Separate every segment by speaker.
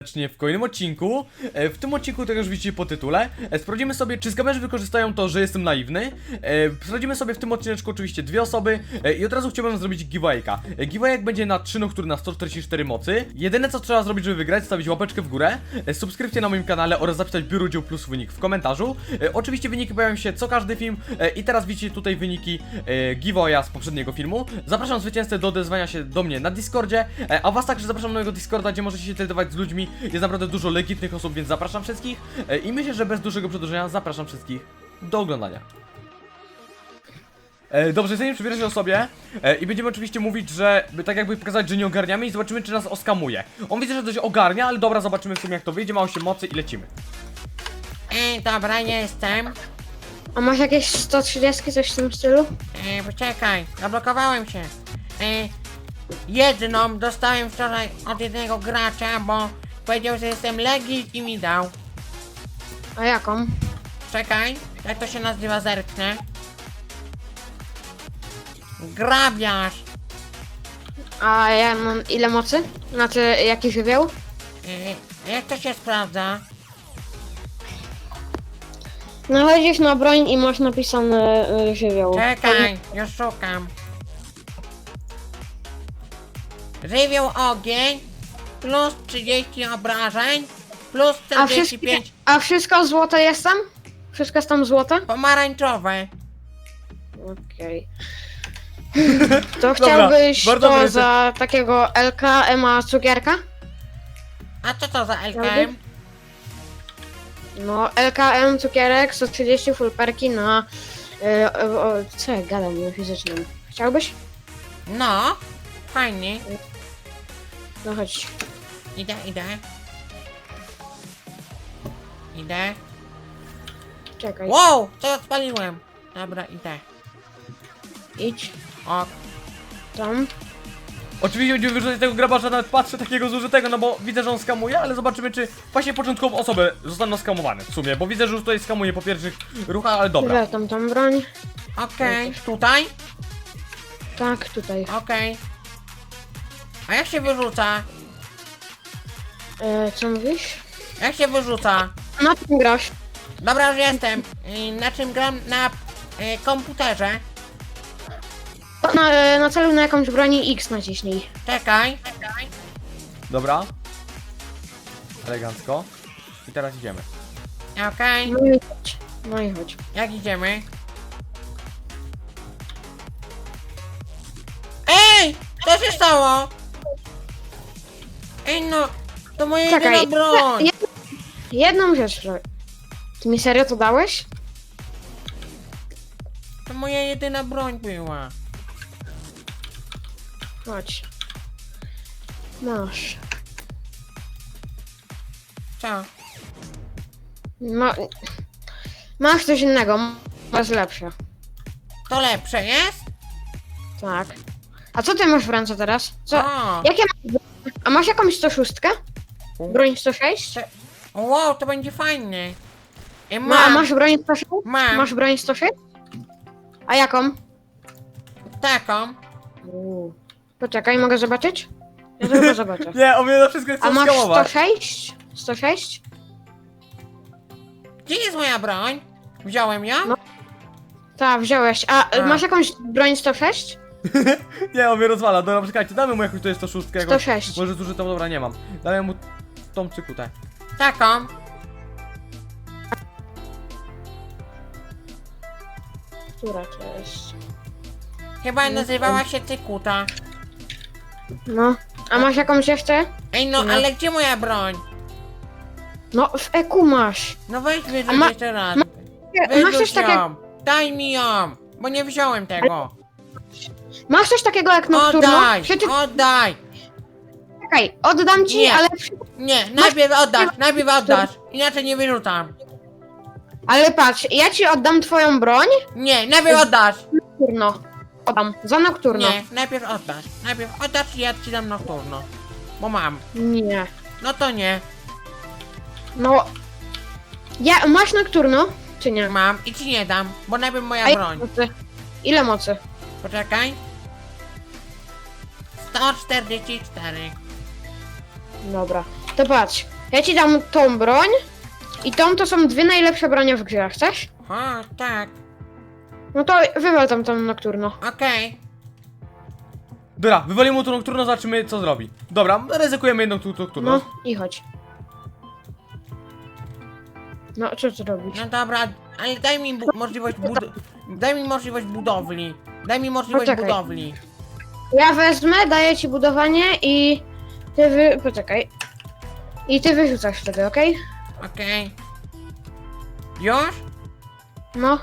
Speaker 1: W kolejnym odcinku, w tym odcinku, tak jak już widzicie po tytule, sprawdzimy sobie, czy skamerzy wykorzystają to, że jestem naiwny. Sprawdzimy sobie w tym odcineczku oczywiście dwie osoby i od razu chciałbym zrobić giveawayka. Giveawayek będzie na 3 noctury na 144 mocy. Jedyne co trzeba zrobić, żeby wygrać, stawić łapeczkę w górę, subskrypcję na moim kanale oraz zapisać biuro udział plus wynik w komentarzu. Oczywiście wyniki pojawią się co każdy film i teraz widzicie tutaj wyniki giveawaya z poprzedniego filmu. Zapraszam zwycięzcę do odezwania się do mnie na Discordzie, a was także zapraszam na mojego Discorda, gdzie możecie się tradować z ludźmi. Jest naprawdę dużo legitnych osób, więc zapraszam wszystkich i myślę, że bez dużego przedłużenia zapraszam wszystkich do oglądania. Dobrze, zanim przybiorę się o sobie i będziemy oczywiście mówić, że tak jakby pokazać, że nie ogarniamy i zobaczymy, czy nas oskamuje. On widzę, że dość ogarnia, ale dobra, zobaczymy w sumie jak to wyjdzie, ma 8 mocy i lecimy.
Speaker 2: Dobra, jestem.
Speaker 3: A masz jakieś 130, coś w tym stylu?
Speaker 2: Poczekaj, zablokowałem się. Jedną dostałem wczoraj od jednego gracza, bo powiedział, że jestem legit i mi dał.
Speaker 3: A jaką?
Speaker 2: Czekaj, jak to się nazywa, zerknę. Grabiarz.
Speaker 3: A ja mam ile mocy? Znaczy, jaki żywioł?
Speaker 2: Jak to się sprawdza?
Speaker 3: No chodzisz na broń i masz napisane żywioł.
Speaker 2: Czekaj, już szukam. Żywioł ogień, plus 30 obrażeń, plus
Speaker 3: A
Speaker 2: 45
Speaker 3: wszystko złote jest tam? Wszystko jest tam złote?
Speaker 2: pomarańczowe.
Speaker 3: Okej. To chciałbyś
Speaker 1: bardzo
Speaker 3: to
Speaker 1: dobrze.
Speaker 3: za takiego LKM-a cukierka?
Speaker 2: A co to za LKM?
Speaker 3: No, LKM cukierek, 130 full perki na... co ja gadam na fizycznym? Chciałbyś?
Speaker 2: No, fajnie.
Speaker 3: No chodź.
Speaker 2: Idę. Idę.
Speaker 3: Czekaj.
Speaker 2: Wow, co odpaliłem? Dobra, idę.
Speaker 3: Idź.
Speaker 2: O,
Speaker 3: Tam.
Speaker 1: Oczywiście będziemy wyrzucać tego grabarza, nawet patrzę takiego zużytego, no bo widzę, że on skamuje, ale zobaczymy, czy właśnie początkową osobę zostaną skamowane w sumie, bo widzę, że już tutaj skamuje po pierwszych ruchach, ale dobra.
Speaker 3: Tyle tam broń.
Speaker 2: okej. Tutaj?
Speaker 3: Tak, tutaj.
Speaker 2: Okej. A jak się wyrzuca?
Speaker 3: Co mówisz?
Speaker 2: Jak się wyrzuca?
Speaker 3: Na czym grasz?
Speaker 2: Dobra, już jestem. Na czym gram? Na komputerze.
Speaker 3: Na celu na jakąś broni X naciśnij.
Speaker 2: Czekaj.
Speaker 1: Dobra. Elegancko. I teraz idziemy.
Speaker 2: Okej.
Speaker 3: No i chodź. No i chodź.
Speaker 2: Jak idziemy? Ej! Co się stało? Ej no, to moja
Speaker 3: Czekaj.
Speaker 2: jedyna broń.
Speaker 3: Jedną rzecz. Ty mi serio to dałeś?
Speaker 2: To moja jedyna broń była.
Speaker 3: Chodź. Masz.
Speaker 2: Co?
Speaker 3: No. Masz coś innego. Masz lepsze.
Speaker 2: To lepsze jest?
Speaker 3: Tak. A co ty masz w ręce teraz? Co?
Speaker 2: O,
Speaker 3: Jakie masz? A masz jakąś 106? Broń 106?
Speaker 2: wow, to będzie fajne.
Speaker 3: A
Speaker 2: Mam,
Speaker 3: masz broń 106?
Speaker 2: mam
Speaker 3: Masz broń 106? A jaką?
Speaker 2: taką.
Speaker 3: Poczekaj, mogę zobaczyć? Ja tylko zobaczę.
Speaker 1: Nie, on mnie na wszystko chce
Speaker 3: A masz
Speaker 1: skamować.
Speaker 3: 106? 106?
Speaker 2: Gdzie jest moja broń? Wziąłem ją?
Speaker 3: No. Tak, wziąłeś. A
Speaker 2: A.
Speaker 3: masz jakąś broń 106?
Speaker 1: Nie, on mnie rozwala. Dobra, czekajcie, damy mu jakąś, to jest to szóstkę. Jakąś,
Speaker 3: 106.
Speaker 1: może zużytą, dobra, nie mam. Damy mu tą cykutę.
Speaker 2: Taką.
Speaker 3: Która to jest?
Speaker 2: Chyba nazywała się Cykuta.
Speaker 3: No. A masz jakąś jeszcze?
Speaker 2: Ej no,
Speaker 3: No.
Speaker 2: ale gdzie moja broń?
Speaker 3: No, w EQ masz.
Speaker 2: No weź
Speaker 3: A
Speaker 2: wyrzuć
Speaker 3: ma-
Speaker 2: jeszcze raz.
Speaker 3: Masz coś
Speaker 2: Wyrzuć
Speaker 3: takiego,
Speaker 2: ją. Daj mi ją, bo nie wziąłem tego.
Speaker 3: masz coś takiego jak nocturno?
Speaker 2: Oddaj,
Speaker 3: Przecież,
Speaker 2: oddaj.
Speaker 3: czekaj, oddam ci,
Speaker 2: Nie.
Speaker 3: ale...
Speaker 2: Nie, najpierw oddasz, inaczej nie wyrzucam.
Speaker 3: Ale patrz, ja ci oddam twoją broń.
Speaker 2: Nie, najpierw oddasz.
Speaker 3: Nocturno. Oddam. Za nocturno.
Speaker 2: Nie, najpierw oddasz. Najpierw oddasz i ja ci dam nocturno. Bo mam.
Speaker 3: Nie.
Speaker 2: No to nie,
Speaker 3: No. Ja, masz nocturno? Czy nie?
Speaker 2: mam i ci nie dam, bo najpierw moja
Speaker 3: A ile
Speaker 2: broń.
Speaker 3: mocy? Ile mocy?
Speaker 2: Poczekaj. 144.
Speaker 3: Dobra. To patrz. Ja ci dam tą broń i tą to są dwie najlepsze bronie w grze, chcesz?
Speaker 2: O, tak.
Speaker 3: No to wywal tam tą nocturno.
Speaker 2: Okej.
Speaker 1: Dobra, wywalimy mu tą nocturno, zobaczymy co zrobi. Dobra, ryzykujemy jedną nocturno.
Speaker 3: No i chodź. No, co ty robisz?
Speaker 2: No dobra, ale daj mi możliwość Daj mi możliwość budowli. Daj mi możliwość
Speaker 3: Poczekaj.
Speaker 2: budowli.
Speaker 3: Ja wezmę, daję ci budowanie i ty poczekaj. I ty wyrzucasz wtedy, okej?
Speaker 2: Okej. Już?
Speaker 3: No.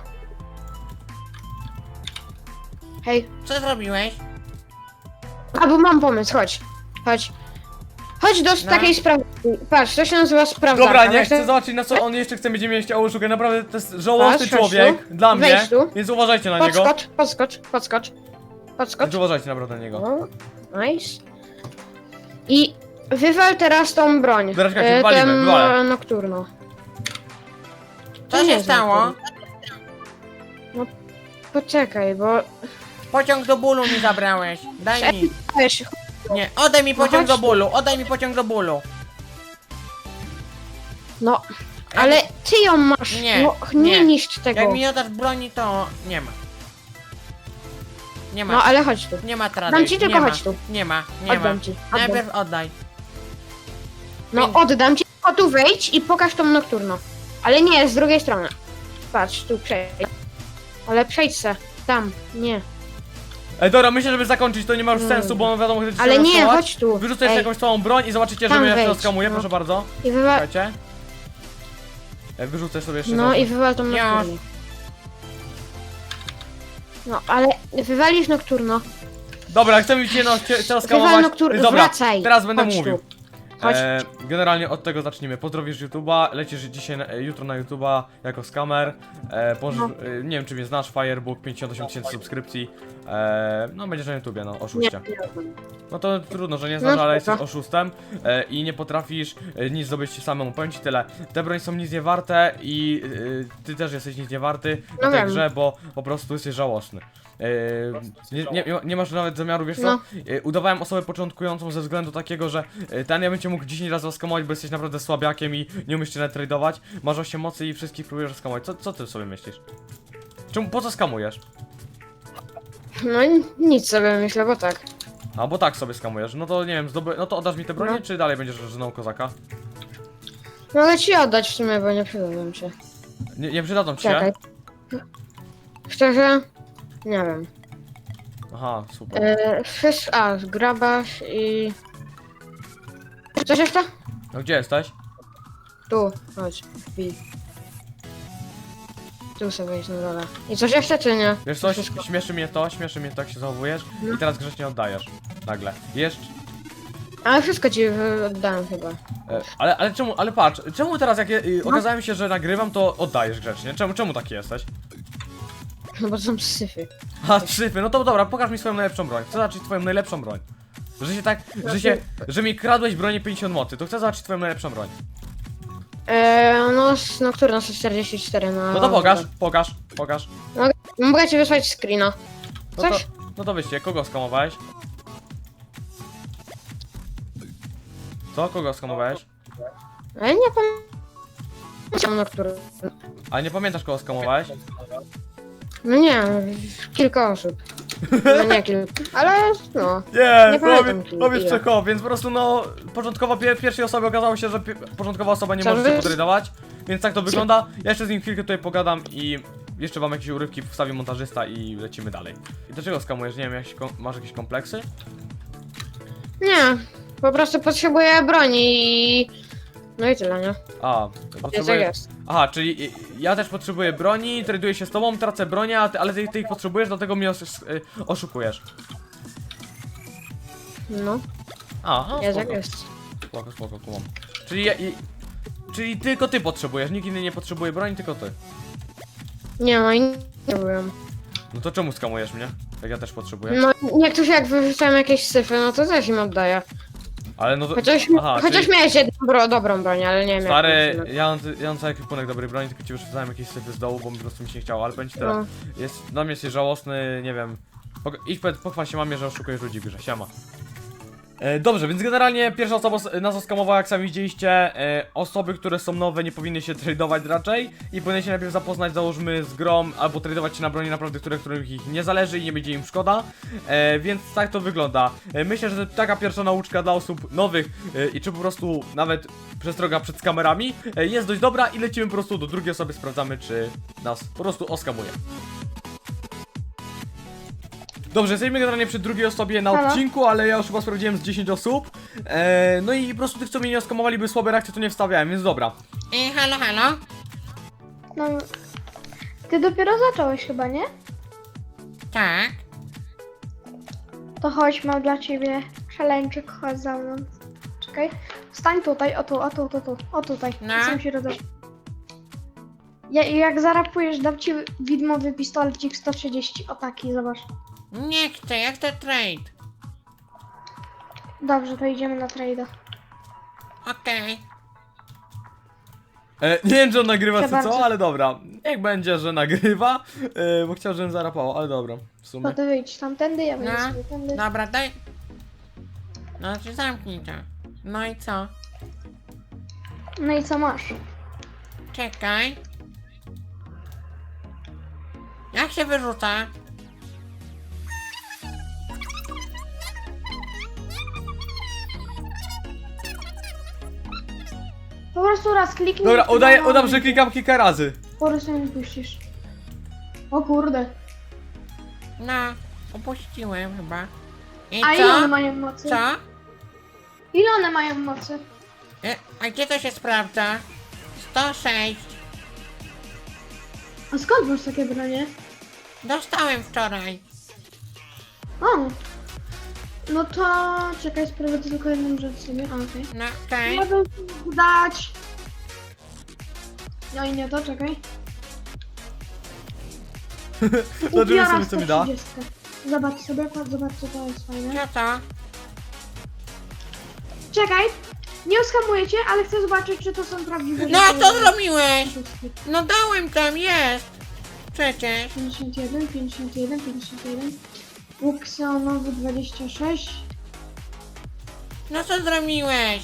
Speaker 3: Hej.
Speaker 2: Co zrobiłeś?
Speaker 3: A, bo mam pomysł, chodź. Chodź. Chodź do
Speaker 2: No.
Speaker 3: takiej sprawy. Patrz, to się nazywa sprawdzarka.
Speaker 1: Dobra, nie
Speaker 3: Weź
Speaker 1: chcę
Speaker 3: te-
Speaker 1: zobaczyć na co on jeszcze chce, będzie mieć oszukać. Naprawdę to jest żałosny
Speaker 3: Patrz, chodź
Speaker 1: człowiek
Speaker 3: tu.
Speaker 1: dla mnie,
Speaker 3: Wejdź tu.
Speaker 1: więc uważajcie na niego.
Speaker 3: Podskocz.
Speaker 1: Więc uważajcie naprawdę na niego.
Speaker 3: No, nice. I wywal teraz tą broń.
Speaker 1: Dobra, czekajcie, wywalimy,
Speaker 3: ten
Speaker 1: wywalę.
Speaker 3: nocturno.
Speaker 2: Co
Speaker 3: To nie
Speaker 2: się
Speaker 3: jest
Speaker 2: stało?
Speaker 3: nocturno. Poczekaj, bo...
Speaker 2: Pociąg do bólu mi zabrałeś. Daj mi.
Speaker 3: Weź,
Speaker 2: Nie, oddaj mi
Speaker 3: No
Speaker 2: pociąg
Speaker 3: chodź
Speaker 2: do
Speaker 3: tu.
Speaker 2: bólu. Oddaj mi pociąg do bólu.
Speaker 3: no, ale ty ją masz.
Speaker 2: Nie,
Speaker 3: No,
Speaker 2: nie.
Speaker 3: nie niszcz tego.
Speaker 2: Jak mi oddasz broni, to nie ma. Nie ma.
Speaker 3: No, ale chodź tu.
Speaker 2: Nie ma trady.
Speaker 3: Dam ci, tylko
Speaker 2: nie ma.
Speaker 3: chodź tu.
Speaker 2: Nie ma, nie
Speaker 3: Oddam
Speaker 2: ma.
Speaker 3: ci.
Speaker 2: Najpierw oddaj.
Speaker 3: No, oddam ci. O, tu wejdź i pokaż tą nocturno. Ale nie, z drugiej strony. Patrz, tu przejdź. Ale przejdź se. Tam, nie.
Speaker 1: Ej, dobra, myślę, żeby zakończyć to nie ma już sensu, bo on wiadomo, że
Speaker 3: Ale nie, chodź tu.
Speaker 1: Wyrzucę jeszcze
Speaker 3: Ej,
Speaker 1: jakąś całą broń i zobaczycie, że
Speaker 3: Tam
Speaker 1: mnie jeszcze
Speaker 3: wejdź,
Speaker 1: skamuję,
Speaker 3: no.
Speaker 1: proszę bardzo.
Speaker 3: I wywal...
Speaker 1: Czekajcie. Wyrzucę sobie jeszcze
Speaker 3: No
Speaker 1: znowu.
Speaker 3: i wywal tą
Speaker 2: Już.
Speaker 3: nocturno. No, ale wywalisz nocturno.
Speaker 1: Dobra, chcę mi cię no, teraz
Speaker 3: Wywal
Speaker 1: skamować.
Speaker 3: nocturno,
Speaker 1: Dobra,
Speaker 3: wracaj.
Speaker 1: teraz będę
Speaker 3: Chodź
Speaker 1: mówił.
Speaker 3: tu. Chodź.
Speaker 1: Generalnie od tego zacznijmy. Pozdrowisz YouTube'a, lecisz dzisiaj jutro na YouTube'a jako skamer.
Speaker 3: No.
Speaker 1: Nie wiem czy mnie znasz, Firebook, 58 000 subskrypcji. No będziesz na YouTubie, no
Speaker 3: Nie,
Speaker 1: oszuście.
Speaker 3: nie znam.
Speaker 1: No to trudno, że nie znasz,
Speaker 3: No
Speaker 1: ale
Speaker 3: spoko.
Speaker 1: jesteś oszustem i nie potrafisz nic zdobyć samemu. Powiem ci tyle. Te broń są nic nie warte i ty też jesteś nic nie warty w
Speaker 3: No
Speaker 1: tej
Speaker 3: wiem.
Speaker 1: grze, bo po prostu jesteś żałosny. Nie masz nawet zamiaru, wiesz co?
Speaker 3: No.
Speaker 1: Udawałem osobę początkującą ze względu takiego, że ja bym cię mógł 10 razy skamować, bo jesteś naprawdę słabiakiem i nie umiesz się tradować. Masz 8 mocy i wszystkich próbujesz skamować. Co ty sobie myślisz? Po co skamujesz?
Speaker 3: No nic sobie myślę, bo tak.
Speaker 1: A bo tak sobie skamujesz. No to nie wiem, no to oddasz mi te bronie,
Speaker 3: No.
Speaker 1: czy dalej będziesz żoną kozaka?
Speaker 3: Mogę ci oddać w sumie, bo nie przydadzą się.
Speaker 1: Nie przydadzą ci się?
Speaker 3: Czekaj. Szczerze? Nie wiem.
Speaker 1: Aha, super.
Speaker 3: Grabasz i... Coś jeszcze?
Speaker 1: No gdzie jesteś?
Speaker 3: Tu, chodź, wbij. Tu sobie jest na dole. I coś jeszcze, czy nie?
Speaker 1: Wiesz coś?
Speaker 3: Wszystko.
Speaker 1: Śmieszy mnie to, jak się zachowujesz
Speaker 3: No.
Speaker 1: i teraz grzecznie oddajesz. Nagle. Jeszcze.
Speaker 3: Ale wszystko ci oddałem chyba.
Speaker 1: Ale czemu, ale patrz, czemu teraz jak
Speaker 3: No.
Speaker 1: okazałem się, że nagrywam, to oddajesz grzecznie? Czemu taki jesteś?
Speaker 3: No bo to są syfy.
Speaker 1: A, szyfy, no to dobra, pokaż mi swoją najlepszą broń. Chcę zobaczyć twoją najlepszą broń. Że się tak, że mi kradłeś bronię 50 mocy, to chcę zobaczyć twoją najlepszą broń.
Speaker 3: No, nocturno 144 na...
Speaker 1: No to pokaż.
Speaker 3: Mogę ci wysłać screena. Coś?
Speaker 1: No to wyście, kogo skamowałeś? Co? Kogo skamowałeś?
Speaker 3: Ale nie pamiętam nocturno.
Speaker 1: A nie pamiętasz kogo skamowałeś?
Speaker 3: No nie, kilka osób. No nie kilka, ale no.
Speaker 1: Nie,
Speaker 3: Nie pamiętam,
Speaker 1: powiedz
Speaker 3: ile.
Speaker 1: Czecho, więc po prostu no, początkowo pierwszej osoby okazało się, że początkowa osoba nie
Speaker 3: Co
Speaker 1: może się
Speaker 3: wy-
Speaker 1: podrydować, więc tak to wygląda. Ja jeszcze z nim chwilkę tutaj pogadam i jeszcze wam jakieś urywki wstawi montażysta i lecimy dalej. I dlaczego skamujesz? Nie wiem, masz jakieś kompleksy?
Speaker 3: Nie, po prostu potrzebuję broni i... No i tyle, nie?
Speaker 1: A,
Speaker 3: Jest
Speaker 1: potrzebuję...
Speaker 3: jak jest.
Speaker 1: Aha, czyli ja też potrzebuję broni, traduję się z tobą, tracę bronię, ale ty ich potrzebujesz, dlatego mnie oszukujesz.
Speaker 3: No,
Speaker 1: A,
Speaker 3: jest jak
Speaker 1: spoko.
Speaker 3: jest.
Speaker 1: Spoko, kumam. Czyli tylko ty potrzebujesz, nikt inny nie potrzebuje broni, tylko ty.
Speaker 3: Nie no i nie robiłem.
Speaker 1: No to czemu skamujesz mnie? Jak ja też potrzebuję.
Speaker 3: No niektórzy jak wyrzucają jakieś syfy, no to też im oddaję.
Speaker 1: Ale no to...
Speaker 3: Chociaż
Speaker 1: czyli-
Speaker 3: miałeś jedną dobrą broń, ale nie wiem
Speaker 1: Stary,
Speaker 3: jak to
Speaker 1: ja mam cały ekwipunek dobrej broni, tylko ci wyrzucałem jakieś syfy z dołu, bo po prostu mi się nie chciało, ale powiem ci teraz.
Speaker 3: No.
Speaker 1: Dla mnie jesteś żałosny, nie wiem. Idź pochwal się mamie, że oszukujesz ludzi w grze, siema. Dobrze, więc generalnie pierwsza osoba nas oskamowała, jak sami widzieliście. Osoby, które są nowe, nie powinny się tradować raczej i powinny się najpierw zapoznać, załóżmy, z grą, albo tradować się na broni naprawdę, których ich nie zależy i nie będzie im szkoda. Więc tak to wygląda. Myślę, że taka pierwsza nauczka dla osób nowych i czy po prostu nawet przestroga przed kamerami jest dość dobra i lecimy po prostu do drugiej osoby, sprawdzamy, czy nas po prostu oskamuje. Dobrze, jesteśmy generalnie przy drugiej osobie na
Speaker 3: Halo?
Speaker 1: odcinku, ale ja już chyba sprawdziłem z 10 osób. No i po prostu tych, co mnie nie oskamowali, by słabe reakcje, to nie wstawiałem, więc dobra.
Speaker 2: Halo, halo?
Speaker 3: No, ty dopiero zacząłeś chyba, nie?
Speaker 2: Tak.
Speaker 3: To chodź, mam dla ciebie challenge, chodź za mną. Czekaj, stań tutaj, o tutaj.
Speaker 2: No.
Speaker 3: Chcę się roześmiać. Jak zarapujesz, dam ci widmowy pistolecik 130, o taki, zobacz.
Speaker 2: Nie chcę, ja chcę trade.
Speaker 3: Dobrze, to idziemy na trade'a.
Speaker 2: Okej.
Speaker 1: Nie wiem, czy on nagrywa
Speaker 3: Proszę
Speaker 1: czy co,
Speaker 3: bardzo.
Speaker 1: ale dobra. Niech będzie, że nagrywa, bo chciał, żebym zarapało, ale dobra, w
Speaker 3: To
Speaker 1: sumie.
Speaker 3: ty wyjdź tamtędy, ja wyjdę
Speaker 2: No.
Speaker 3: sobie tędy.
Speaker 2: Dobra, daj. No, czy zamknij to. No i co?
Speaker 3: No i co masz?
Speaker 2: Czekaj. Jak się wyrzuca?
Speaker 3: Po prostu raz kliknij.
Speaker 1: Dobra,
Speaker 3: i
Speaker 1: udam, że klikam kilka razy.
Speaker 3: Po prostu nie puścisz. O kurde.
Speaker 2: No, opuściłem chyba. I
Speaker 3: A ile one
Speaker 2: co?
Speaker 3: mają mocy?
Speaker 2: Co?
Speaker 3: Ile one mają mocy?
Speaker 2: A gdzie to się sprawdza? 106.
Speaker 3: A skąd masz takie bronie?
Speaker 2: Dostałem wczoraj.
Speaker 3: O! No to czekaj, sprawdzę tylko jedną rzecz sobie. A, okej.
Speaker 2: No, okej.
Speaker 3: Ja bym mógł dać. No i nie to, czekaj.
Speaker 1: Zobaczymy
Speaker 3: Ubiora
Speaker 1: sobie, co mi da.
Speaker 3: 130. Zobacz sobie, zobacz co to jest fajne.
Speaker 2: Co to?
Speaker 3: Czekaj! Nie oskamuję cię, ale chcę zobaczyć, czy to są prawdziwe
Speaker 2: No,
Speaker 3: rzeczy.
Speaker 2: co zrobiłeś?
Speaker 3: Wszystkie.
Speaker 2: No dałem tam, jest. Przecież.
Speaker 3: 51, 51, 51. Łuk seonowy 26.
Speaker 2: No co zrobiłeś?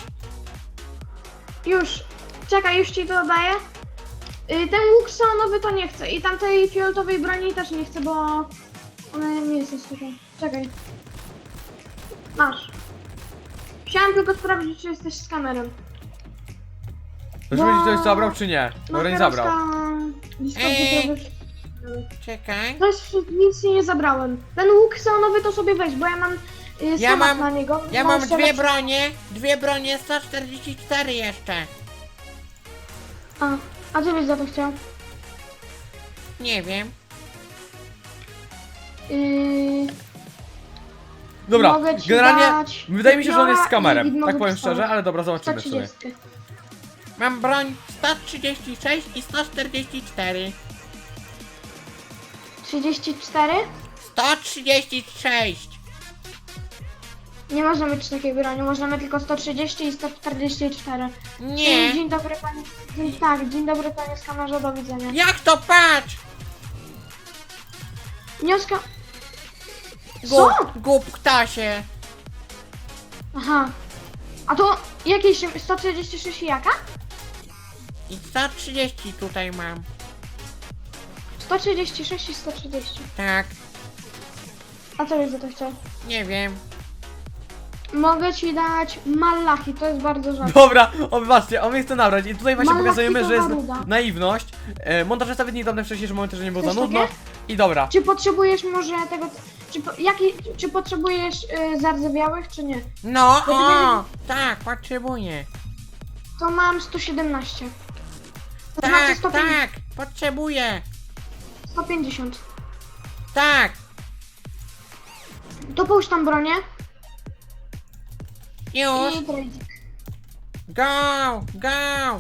Speaker 3: Już. Czekaj, już ci to daję. Ten łuk seonowy to nie chcę. I tamtej fioletowej broni też nie chcę, bo ona nie jest taka. Czekaj. Masz. Chciałem tylko sprawdzić, czy jesteś z kamerą.
Speaker 1: Zobaczymy, czy ktoś zabrał, czy nie. Dobra, nie zabrał.
Speaker 3: Lista
Speaker 2: Ej.
Speaker 3: budowy.
Speaker 2: Czekaj.
Speaker 3: To jest, nic nie zabrałem. Ten łuk seonowy to sobie weź, bo ja mam
Speaker 2: Ja
Speaker 3: schemat
Speaker 2: mam-
Speaker 3: na niego.
Speaker 2: Ja mam
Speaker 3: jeszcze
Speaker 2: dwie
Speaker 3: lepszy.
Speaker 2: bronie 144 jeszcze.
Speaker 3: A co byś za to chciał?
Speaker 2: Nie wiem.
Speaker 1: Dobra,
Speaker 3: Mogę ci
Speaker 1: generalnie
Speaker 3: dać
Speaker 1: wydaje mi się, że on jest z
Speaker 3: upiora
Speaker 1: kamerem.
Speaker 3: i widmowy
Speaker 1: Tak powiem
Speaker 3: pistolet.
Speaker 1: szczerze, ale dobra, zobaczymy w sumie.
Speaker 3: 130.
Speaker 2: Mam broń 136 i 144.
Speaker 3: 34?
Speaker 2: 136.
Speaker 3: Nie można mieć takiej broni, możemy tylko 130 i 144.
Speaker 2: Nie.
Speaker 3: Dzień dobry panie. Tak, dzień dobry panie z kamerze, do widzenia.
Speaker 2: Jak to patrz?
Speaker 3: Wnioska. Co?
Speaker 2: Głup ptasie.
Speaker 3: Aha. A to jakieś 136 i jaka?
Speaker 2: I 130 tutaj mam.
Speaker 3: 136 i 130.
Speaker 2: Tak.
Speaker 3: A co byś za to chciał?
Speaker 2: Nie wiem.
Speaker 3: Mogę ci dać Malachi, to jest bardzo rzadko.
Speaker 1: Dobra, o wybaczcie, on mnie chce nabrać i tutaj właśnie
Speaker 3: Malaki
Speaker 1: pokazujemy,
Speaker 3: to
Speaker 1: że jest
Speaker 3: Garuda.
Speaker 1: naiwność. Montażysta wytnie tam te wcześniejsze momenty, że nie było za
Speaker 3: Coś
Speaker 1: nudno.
Speaker 3: takie?
Speaker 1: I dobra.
Speaker 3: Czy potrzebujesz może tego... Czy potrzebujesz zardzewiałych, czy nie?
Speaker 2: No,
Speaker 3: Bo ty
Speaker 2: o, tak, potrzebuję.
Speaker 3: To mam 117. To znaczy
Speaker 2: Tak,
Speaker 3: 150,
Speaker 2: tak, potrzebuję.
Speaker 3: 150.
Speaker 2: Tak.
Speaker 3: To połóż tam bronię
Speaker 2: Już.
Speaker 3: i tradik.
Speaker 2: Go, go.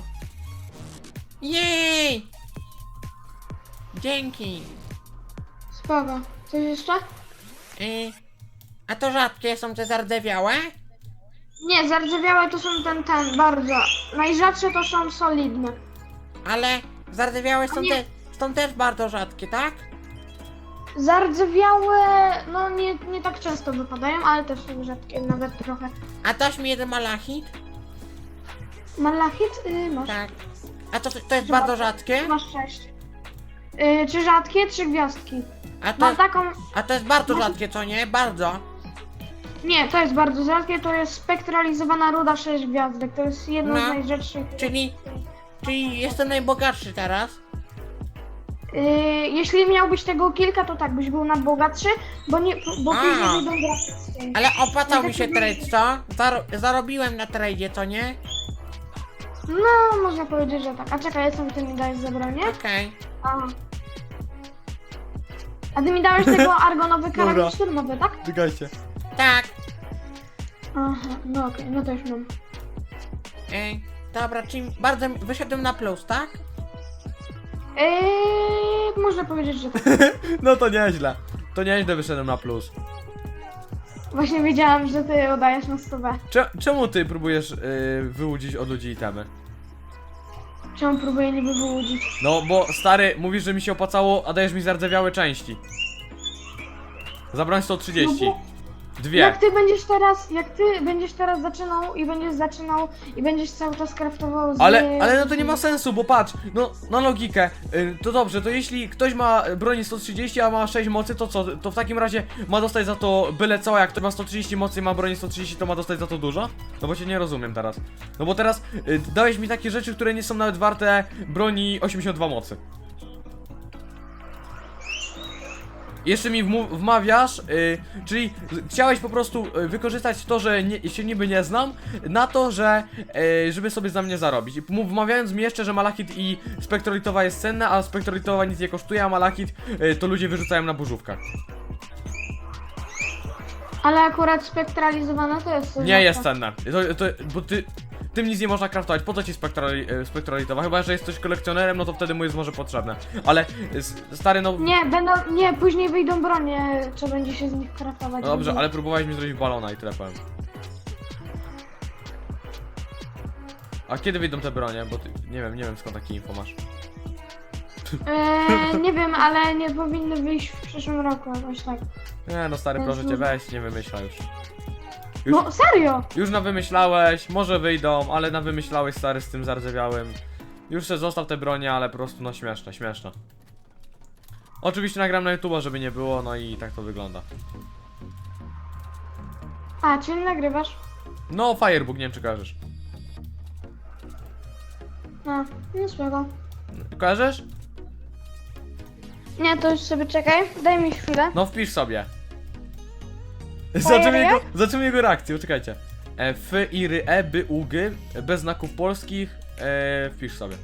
Speaker 2: Jej. Dzięki.
Speaker 3: Spoko. Coś jeszcze?
Speaker 2: A to rzadkie są te zardewiałe?
Speaker 3: Nie, zardzewiałe to są ten, bardzo. Najrzadsze to są solidne.
Speaker 2: Ale zardewiałe są,
Speaker 3: Nie.
Speaker 2: są też bardzo rzadkie, tak?
Speaker 3: Zardzewiałe, no nie tak często wypadają, ale też są rzadkie, nawet trochę.
Speaker 2: A dasz mi jeden malachit?
Speaker 3: Malachit? Masz.
Speaker 2: Tak. A to jest bardzo rzadkie?
Speaker 3: Masz 6. Czy rzadkie? 3 gwiazdki.
Speaker 2: A to,
Speaker 3: Mam taką...
Speaker 2: a to jest bardzo rzadkie, co nie? Bardzo.
Speaker 3: Nie, to jest bardzo rzadkie, to jest spektralizowana ruda 6 gwiazdek. To jest jedno z
Speaker 2: No.
Speaker 3: najrzadszych.
Speaker 2: Czyli jestem najbogatszy teraz.
Speaker 3: Jeśli miałbyś tego kilka, to tak, byś był najbogatszy, bo
Speaker 2: A.
Speaker 3: później wyjdą graficzne.
Speaker 2: Ale opłacał mi się trade, co? Zarobiłem na tradzie, co nie?
Speaker 3: No, można powiedzieć, że tak. A czekaj, co ty mi dajesz za broń, nie?
Speaker 2: Okej.
Speaker 3: Aha. A ty mi dałeś tego argonowy
Speaker 1: Dobra.
Speaker 3: karabin szturmowy, tak?
Speaker 1: Czekajcie.
Speaker 2: Tak.
Speaker 3: Aha, no okej, no to już mam.
Speaker 2: Dobra, czyli bardzo wyszedłem na plus, tak?
Speaker 3: Można powiedzieć, że tak.
Speaker 1: No to nieźle. To nieźle wyszedłem na plus.
Speaker 3: Właśnie wiedziałam, że ty oddajesz na 100.
Speaker 1: Czemu ty próbujesz wyłudzić od ludzi itemy?
Speaker 3: Czemu próbuję niby wyłudzić?
Speaker 1: No bo stary, mówisz, że mi się opłacało, a dajesz mi zardzewiałe części. Zabrałem 130.
Speaker 3: No bo-
Speaker 1: Dwie.
Speaker 3: Jak ty będziesz teraz zaczynał i będziesz cały czas craftował z...
Speaker 1: Ale no to nie ma sensu, bo patrz, no na logikę, to dobrze, to jeśli ktoś ma broni 130, a ma 6 mocy, to co? To w takim razie ma dostać za to byle co, jak ktoś ma 130 mocy i ma broni 130, to ma dostać za to dużo? No bo cię nie rozumiem teraz. No bo teraz dałeś mi takie rzeczy, które nie są nawet warte broni 82 mocy. Jeszcze mi wmawiasz, czyli chciałeś po prostu wykorzystać to, że się niby nie znam, na to, że żeby sobie za mnie zarobić. I wmawiając mi jeszcze, że malachit i spektrolitowa jest cenna, a spektrolitowa nic nie kosztuje, a malachit to ludzie wyrzucają na burzówkach.
Speaker 3: Ale akurat spektralizowane to jest...
Speaker 1: Nie jest cenne, bo tym nic nie można craftować. Po co ci spektrolitowa? Chyba, że jesteś kolekcjonerem, no to wtedy mu jest może potrzebne. Ale stary, no...
Speaker 3: Nie, później wyjdą bronie, co będzie się z nich craftować.
Speaker 1: No dobrze, ale próbowałeś mi zrobić balona i tyle powiem. A kiedy wyjdą te bronie? Bo ty, nie wiem skąd takie info masz.
Speaker 3: Nie wiem, ale nie powinny wyjść w przyszłym roku, jakoś tak.
Speaker 1: Nie no stary, proszę cię, weź, nie wymyślaj już.
Speaker 3: No serio!
Speaker 1: Już nawymyślałeś, może wyjdą, ale nawymyślałeś stary z tym zardzewiałym. Już se zostaw te bronie, ale po prostu no śmieszne. Oczywiście nagram na YouTube'a, żeby nie było, no i tak to wygląda.
Speaker 3: A, czyli nagrywasz?
Speaker 1: No Firebook, nie wiem czy kojarzysz.
Speaker 3: No, nie spoko.
Speaker 1: Kojarzysz?
Speaker 3: Nie, to już sobie czekaj, daj mi chwilę.
Speaker 1: No wpisz sobie.
Speaker 3: Fire
Speaker 1: Zobaczymy jego reakcję, czekajcie. F, I, R, E, B, U, G, bez znaków polskich, wpisz sobie.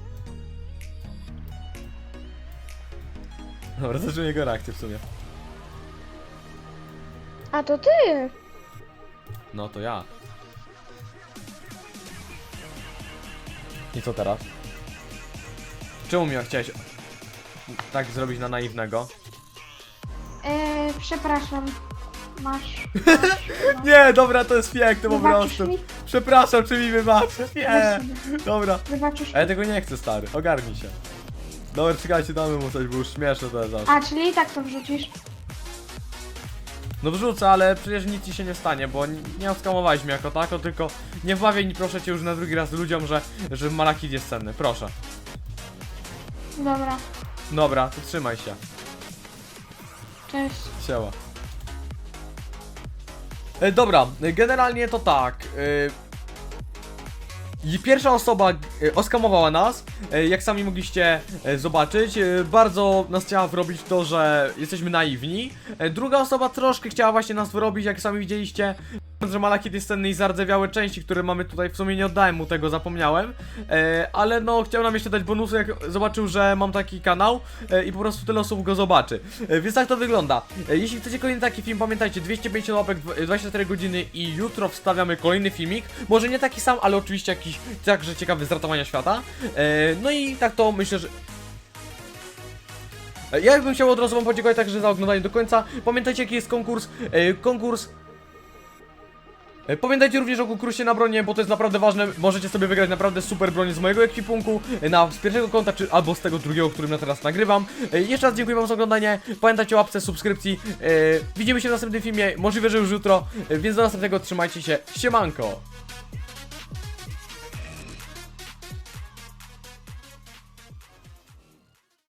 Speaker 1: Dobra, zobaczymy jego reakcję w sumie.
Speaker 3: A to ty!
Speaker 1: No to ja. I co teraz? Czemu mi chciałeś tak zrobić na naiwnego?
Speaker 3: Przepraszam. Masz.
Speaker 1: Nie, dobra, to jest piękne po
Speaker 3: Wybaczysz
Speaker 1: prostu.
Speaker 3: mi?
Speaker 1: Przepraszam, czy mi wybaczysz? Nie, dobra.
Speaker 3: Wybaczysz.
Speaker 1: A ja tego nie chcę, stary, ogarnij się. Dobra, czekajcie, damy mu coś, bo już śmieszne to jest aż.
Speaker 3: A, czyli i tak to wrzucisz.
Speaker 1: No wrzucę, ale przecież nic ci się nie stanie, bo nie oskamowałeś mnie jako tako, tylko nie wmawiaj mi proszę cię już na drugi raz ludziom, że malachit jest cenny, proszę.
Speaker 3: Dobra,
Speaker 1: Dobra, to trzymaj się.
Speaker 3: cześć.
Speaker 1: Siema. Dobra, generalnie to tak. I pierwsza osoba oskamowała nas, jak sami mogliście zobaczyć. Bardzo nas chciała wyrobić to, że jesteśmy naiwni. Druga osoba troszkę chciała właśnie nas wyrobić, jak sami widzieliście, że malachit jest cenny i zardzewiałe części, które mamy tutaj, w sumie nie oddałem mu tego, zapomniałem. Ale no, chciał nam jeszcze dać bonusy, jak zobaczył, że mam taki kanał i po prostu tyle osób go zobaczy. Więc tak to wygląda. Jeśli chcecie kolejny taki film, pamiętajcie, 250 łapek, 24 godziny i jutro wstawiamy kolejny filmik. Może nie taki sam, ale oczywiście jakiś także ciekawy z ratowania świata. No i tak to myślę, że... Ja bym chciał od razu wam podziękować także za oglądanie do końca. Pamiętajcie, jaki jest konkurs. Pamiętajcie również o konkursie na bronię, bo to jest naprawdę ważne. Możecie sobie wygrać naprawdę super broń z mojego ekwipunku, z pierwszego konta, czy albo z tego drugiego, którym ja teraz nagrywam. Jeszcze raz dziękuję wam za oglądanie. Pamiętajcie o łapce, subskrypcji. Widzimy się w następnym filmie, możliwe, że już jutro. Więc do następnego, trzymajcie się. Siemanko!